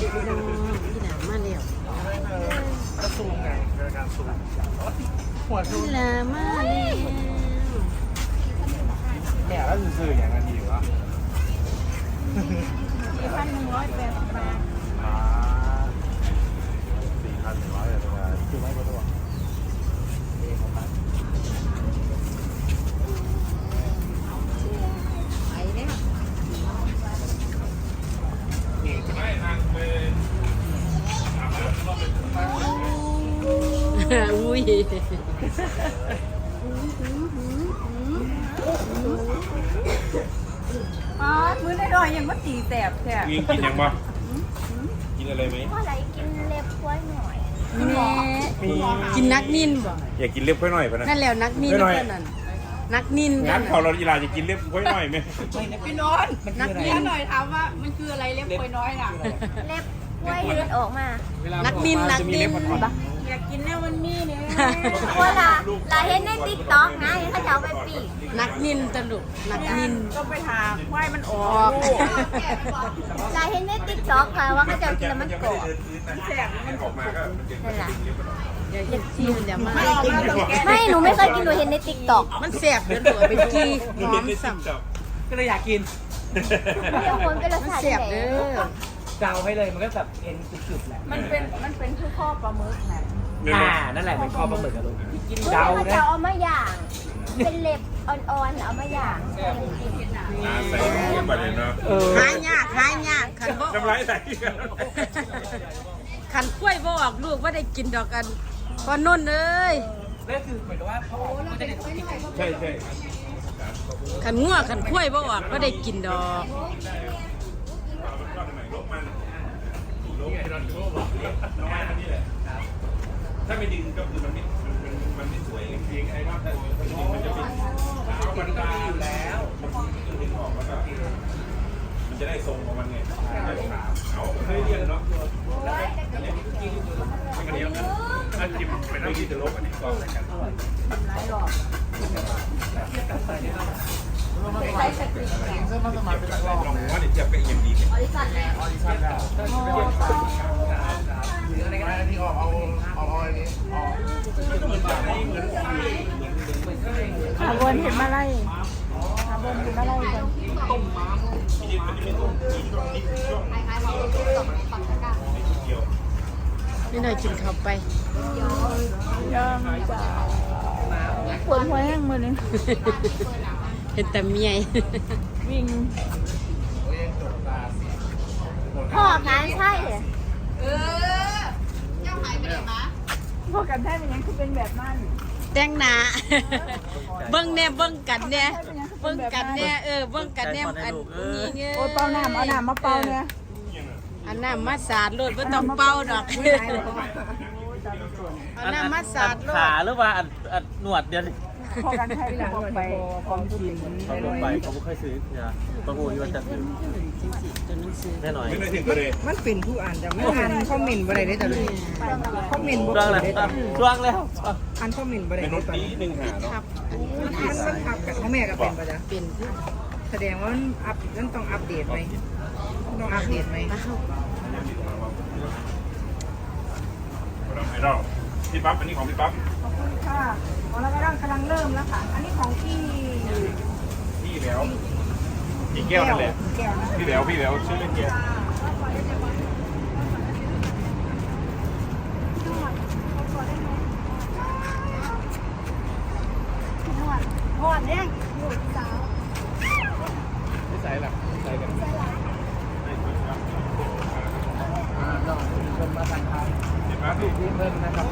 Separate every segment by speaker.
Speaker 1: พี่น้องพี่หนามาแล้ว
Speaker 2: กระซูมไงการซูมหัวซูม
Speaker 1: พี่หนามาแล้ว
Speaker 2: แม่แล้วซื่อๆอย่างนั้นดีวะ
Speaker 3: 4,180 บาท
Speaker 2: 4,100เลยคือไม่ก็ตัวเองของมัน
Speaker 3: ไปเนี่ย
Speaker 1: อุ้ย
Speaker 3: อ๋อมื้อได้ดอยยังมาตีแสบแท้
Speaker 4: กินยังบ่กินอะไรไหม
Speaker 5: ว่าอะไรกินเล็บกล้วยหน่อย
Speaker 1: แม่กินนักนินบ่
Speaker 4: อยากกินเล็บค่อยหน่อยปะนะ
Speaker 1: นั่นแล้วนักนิน
Speaker 4: ไม่หน่อย
Speaker 1: เท่านั้นนักนิน
Speaker 4: งั้นเขาเราอีลาจะกินเล็บค่อยหน่อยไหม
Speaker 3: พี่นนท์นักเรียนหน่อยถามว่ามันคืออะไรเล็บคอยน้อยน่ะ
Speaker 5: เล็บกล้วยที่มันออกมา
Speaker 1: นักนินนักนิน
Speaker 3: อยากกินแล้วมันมีเนี่ย
Speaker 5: ว่าลาเห็นในติ๊กต็อกนะเห็นเขาจะเอาไปปีก
Speaker 1: นักนินตลุกนักนิน
Speaker 3: ก็ไปหาควายมันออ
Speaker 1: ออก
Speaker 5: ลาเห็นในติ๊กต็อกค่ะว่าเขาจะเอากินแล้วมันกรอบ
Speaker 3: แสบมัน
Speaker 4: ออกมาก็มันจะ
Speaker 5: นั่นแหละ
Speaker 1: เดี๋ยวชิมเดี๋ยวมา
Speaker 5: ไม่หนูไม่เคยกินหนูเห็นในติ๊กต็อก
Speaker 1: มันแสบเดี๋ยวตัวเป็นกี้หอมสัม
Speaker 2: ก็เลยอยากกิน
Speaker 5: เดี๋ยวคนเป็นรส
Speaker 1: มัน
Speaker 5: ชาติ
Speaker 1: แสบเด้อ
Speaker 2: เดาให้เลยมันก็แบบเอ็นกรึบๆแหละ
Speaker 3: มันเป็นคือข้อปลาหมึกนะ
Speaker 2: นั่นแหละเป็นคอปลาหมึกอะลูกกิน
Speaker 5: เฮ้ย
Speaker 2: เดา
Speaker 5: เขา
Speaker 2: นะ
Speaker 5: จะเอามาย่าง เป็นเล็บอ่อนๆเอามาย่าง
Speaker 4: ใส่เงินบาทเลยเนาะ
Speaker 1: หายยากหายยากขันบ่
Speaker 4: น้ำลายใส่
Speaker 1: ขันกล้วยบ่ออกลูกว่าได้กินดอกกันพอนุ่นเอ้ย
Speaker 2: นั่นคือเหมือนกับว่าเขาจะได้กิน
Speaker 4: ใช่ใช่
Speaker 1: ขันงัวขันกล้วยบ่ออกว่าได้กินดอก
Speaker 4: ถ้าไม่ดึงก็คือมันไม่สวยจริงไอ้รอบถ้าดึงมันจะเป็นมันก็มีอยู่แล้วมันดึงออกแล้วก็มันจะได้ทรงของมันไงเอาเคยเรียนเนาะไม่กันเดียวนะถ้าจิ้มเป็นน้ำที่จะลบอันนี้ก็ใส่กันลองว่าเดี๋ยวจะเป็นยังดีเนี่ย
Speaker 2: อะไรก็ได้ที่เอาอันนี้
Speaker 3: หาบนเห็นมาไล่หาบนเห็นมาไล่กัน
Speaker 1: นี่หน่อยกินเข้าไป
Speaker 3: ยอมจ้าปวดหัวแห้งมือนึง
Speaker 1: เห็นแต่เมีย
Speaker 3: วิ่ง
Speaker 5: พ่อการใช่เหรอ
Speaker 3: พวกกันแท้เป็นยังคือเป็นแบบนั้น
Speaker 1: แต่งหน้าเบิ่งแน่เบิ่งกันแน่เบิ่งกันแน่เบิ่งกันแน่อันนี้เงี้ย
Speaker 3: โอ้เป่าน้ำเอาน้ำมาเป่าเนี่ย
Speaker 1: อันน้ำมาสาดโลดบ่ต้องเป่าดอกเอาน้ำมาสาดโลด
Speaker 6: ขาหรือว่าอัดหนวดเดียวนี่
Speaker 3: พอกันแท้เป็นยังไปของกิน
Speaker 6: เขาลงไปเขาไม่เคยซื้อเนี่ยประมูลว่าจะซื้อแน่นอน
Speaker 4: ไม่ได้ถึงก็เลย
Speaker 7: มันเป็นผู้อ่านแต่ไม่อ่านคอมเมนต์บ่ได้เลยแต่เลยคอมเมนต์บ่
Speaker 6: ช่วง
Speaker 7: ได้
Speaker 6: แล้ว
Speaker 7: เลยแต่
Speaker 6: ช่วงแล้ว
Speaker 7: อ่านคอมเมนต์บ่ได้
Speaker 4: เป็น
Speaker 7: เล
Speaker 4: ร
Speaker 7: ย
Speaker 4: ถ
Speaker 7: ตอน
Speaker 4: นี้
Speaker 7: นี้
Speaker 4: หนึ่งหาเนาะ
Speaker 1: ครับ
Speaker 7: มันทับกันพ่อแม่ก็เป็นบ่จ้ะ
Speaker 1: เป็นผู้
Speaker 7: แสดงว่ามันต้องอัปเดตไหมต้องอัปเดตไหม
Speaker 1: มาเข้า
Speaker 4: ไอดอลพี่ปั๊บอันนี้ของพี่ปั๊บ
Speaker 3: ขอบคุณค่ะของเรากำลังเริ่มแล้วค่ะ อันนี้ของพี่
Speaker 4: พี่แล้วพี่แก้วนั่นแหละ
Speaker 3: แก้วนะ
Speaker 4: พี่แล้วชื่อเล่นแก้ว
Speaker 3: พอดเนี่ย
Speaker 4: ไม่ใส่หรอกใส่กัน
Speaker 2: คนมาทานข้าว
Speaker 4: พี่ปั๊บพี่
Speaker 2: ที่เพิ่มนะครับ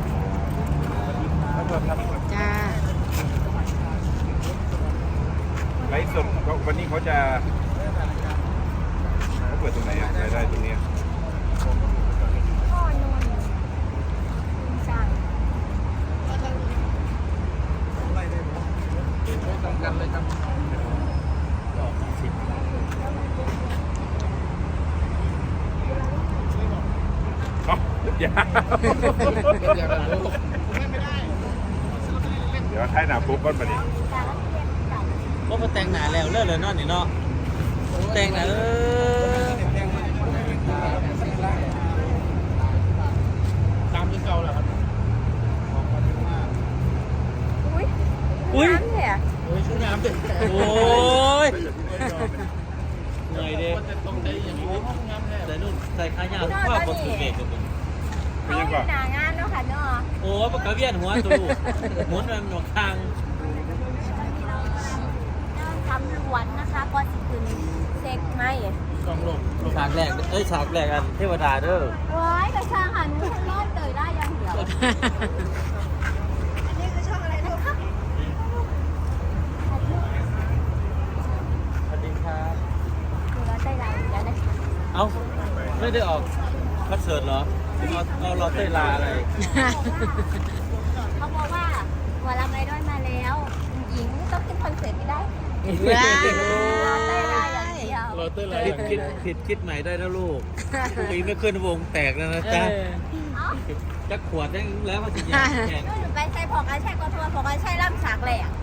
Speaker 2: แล้วก็ครับ
Speaker 1: จ้า
Speaker 4: ไลฟ์สดวันนี้เขาจะเขาเปิดตรงไหนอะรายได้ตรงนี้
Speaker 5: พ่อนนท์ช่าง
Speaker 2: ตรงกันเลยครับ
Speaker 4: อย่าเดี๋ยวท้ายหนาปุ๊บก้อนมาดิ
Speaker 6: ก็มาแต่งหนาแล้วเลิกเลยเนาะนี่เนาะแต่งหนาส่ขายาวข้าวบนถือเบรกกับมึง
Speaker 5: เขาอยู่หนางานเนาะค่ะเนาะ
Speaker 6: โอ้ปากกาเวียนหัวตูหมุนมันหนวกทาง
Speaker 5: ทำล้วนนะคะก่อนสิคืนเซ็กไหม
Speaker 6: ฉากแรกฉากแรกอันเทวดาเด้อ
Speaker 5: ว้ายกระช่างหันมือรอดเตยได้ยังเดียวอันนี้คือช่องอะไรนะคะ
Speaker 6: สวัสดีครับ
Speaker 5: ดูแล้วใจเราเดี๋ยวนะคะ
Speaker 6: เอ้าไม่ได้ออกคอนเสิร์ตเหรอเราเต้นลาอะไร
Speaker 5: เขาบอกว่าวันละไม่ด้อยมาแล้วหญิงต้องขึ้นคอนเสิร์ตไม่ได้
Speaker 1: ว้า
Speaker 5: เราเต้ยได้อย่างเดียว
Speaker 2: เราเต้นอะไร
Speaker 6: คิดใหม่ได้นะลูกปีไม่ขึ้นวงแตกแล้วนะจ๊ะ
Speaker 5: เอ้า
Speaker 6: จะขวดได้แล้วมันจะยางแข่ง
Speaker 5: นู่นไปใส่ผอกระแช่ก็ทัวร์ผอกระแช่ล่ำฉากเลยอ่ะ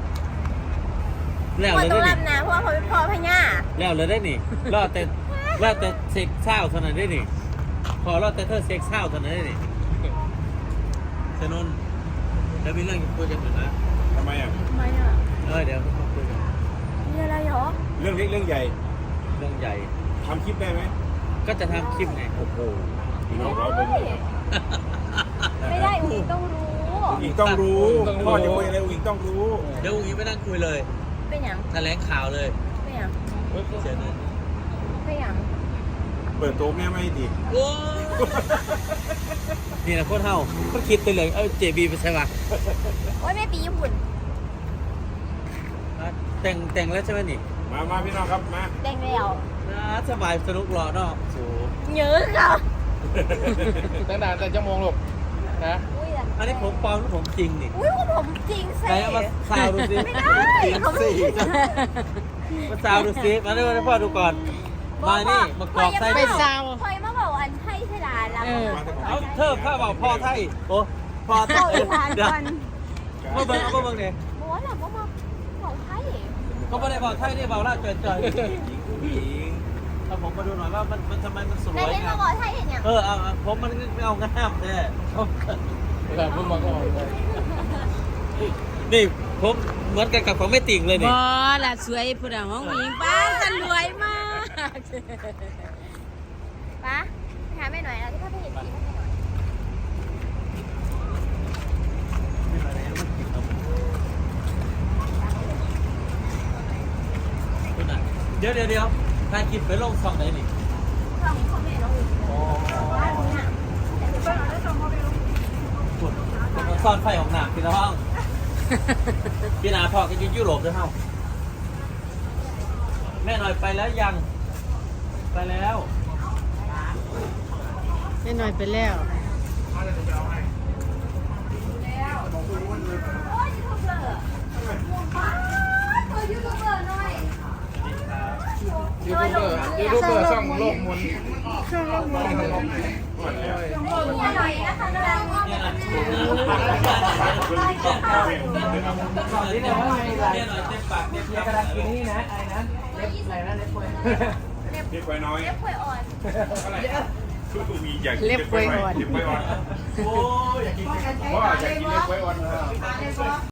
Speaker 6: แล้ว
Speaker 5: พอ
Speaker 6: เลย
Speaker 5: ต้อง
Speaker 6: ได้
Speaker 5: ล่ำนะเพราะว่าเขาเป็นพ่อพญา
Speaker 6: แล้วเลยได้นี่รอดแต่เซ็กเศร้าเท่านั้นได้นี่พอรอดแต่เธอเซ็กเศร้าเท่านั้นได้นี่สนุนแล้วมีเรื่องคุยกันอยู่นะ
Speaker 4: ทำไมอ่ะ
Speaker 5: ทำไมอ่ะ
Speaker 6: เดี๋ยวมาคุยกัน
Speaker 5: มีอะไรเหรอ
Speaker 4: เรื่องเล็กเรื่องใหญ่
Speaker 6: เรื่องใหญ่
Speaker 4: ทำคลิปได้ไหม
Speaker 6: ก็จะทำคลิปไงโอ้โห
Speaker 4: พี่น้องเราเป็น
Speaker 5: ไม่ได้อุ้งต้องรู้
Speaker 4: อีกต้องรู้พ่อจะคุยอะไรอีกต้องรู้
Speaker 6: เดี๋ยวอุ้งอิงไปนั่งคุยเลย
Speaker 5: เป็นอย่าง
Speaker 6: แถลงข่าวเลย
Speaker 5: เป็นอย่าง
Speaker 6: เชิญเลย
Speaker 5: เป็นอย่าง
Speaker 4: เปิดโต๊ะแม่ไม่ดี
Speaker 6: โอ้นี่นะโคตรเท่าก็คิดไปเลยเจบีไปใช่ปะ
Speaker 5: โอ้ยแม่ปีญี่ปุ่น
Speaker 6: แต่งแล้วใช่ไหมนี่
Speaker 4: มาพี่น้องครับมา
Speaker 5: แดงแล้ว
Speaker 6: สบายสนุกรอเนาะสู
Speaker 5: เยอะค่ะ
Speaker 2: ตั้งนานแต่ชั่วโมงลูกนะ
Speaker 5: อุ้ย
Speaker 6: อันนี้ผมปลอมหรือผมจริงนี่
Speaker 5: อุ้ยว่าผมจริงสิ
Speaker 6: ไหนเอามาซาวดูสิ
Speaker 5: ไม่ได้เขาไม่จริง
Speaker 6: มาซาวดูสิมาให้พ่อดูก่อนมานี่มากรอกไส้
Speaker 1: ไป
Speaker 6: นี่
Speaker 1: ซาว
Speaker 5: คอยมาบอกอันไทยใช่หลานแล้ว
Speaker 6: เอาเธอข้าบอกพ่อไทยโอ้พ่อไท
Speaker 5: เอา
Speaker 6: ย
Speaker 5: อีสาน
Speaker 6: เดี๋ยว
Speaker 5: ก่อน
Speaker 6: มาเบิ่งเอามาเบิ่งเนี่ย
Speaker 5: บอกว่าหลังมาบอกไทย
Speaker 6: เขาไม่ได้บอกไทยนี่บอกล่าจ่อย
Speaker 4: ผู้หญิง
Speaker 6: ๆเอาผมมาดูหน่อยว่ามันทำไมมันสว
Speaker 5: นาย
Speaker 6: ย
Speaker 5: เห็น
Speaker 6: งา
Speaker 5: มาม บอกไทยเห็นยัง
Speaker 6: เอาผมมันเอางามแท้
Speaker 2: แต่เพิ่งมาก็ออกเลย
Speaker 6: นี่ผมเหมือนกันกับของไม่ติ่งเลย
Speaker 1: บ
Speaker 6: นี่
Speaker 1: อละสวยผู้ดาห้องหญิงป้าจะรวยมาก
Speaker 5: ปะถามแม่หน่อยเราที่เขาไปเห็นสี
Speaker 6: เดี๋ยวถ่ายคลิปไปลงช่องไหนนี่
Speaker 5: ช่องเขาไม่ลงอีก
Speaker 6: คุณซ่อนไฟของหนักพี่น้องพี่นาพอกันยุโรปด้วยเฮ้าแม่หน่อยไปแล้วยังไปแล้ว
Speaker 1: ไม่หน่อยไปแล้ว
Speaker 2: ยูทูบเบอร์ช่องโลกมน
Speaker 5: นี่หน่อยนะคะกำลัง
Speaker 6: เนี่ยนะนี่เนี่ยว่าเนี่ยหน่อยเต็มปากเต็มคำอะไรนี่นะ
Speaker 4: เล็บไว้น้อย
Speaker 5: เล็บป่วยอ่อน
Speaker 4: มีอยากกินเล็บไว้อ่อน
Speaker 6: โอ้ยอยากกิน
Speaker 4: พ่ออยากกินเล็บไว้อ่อน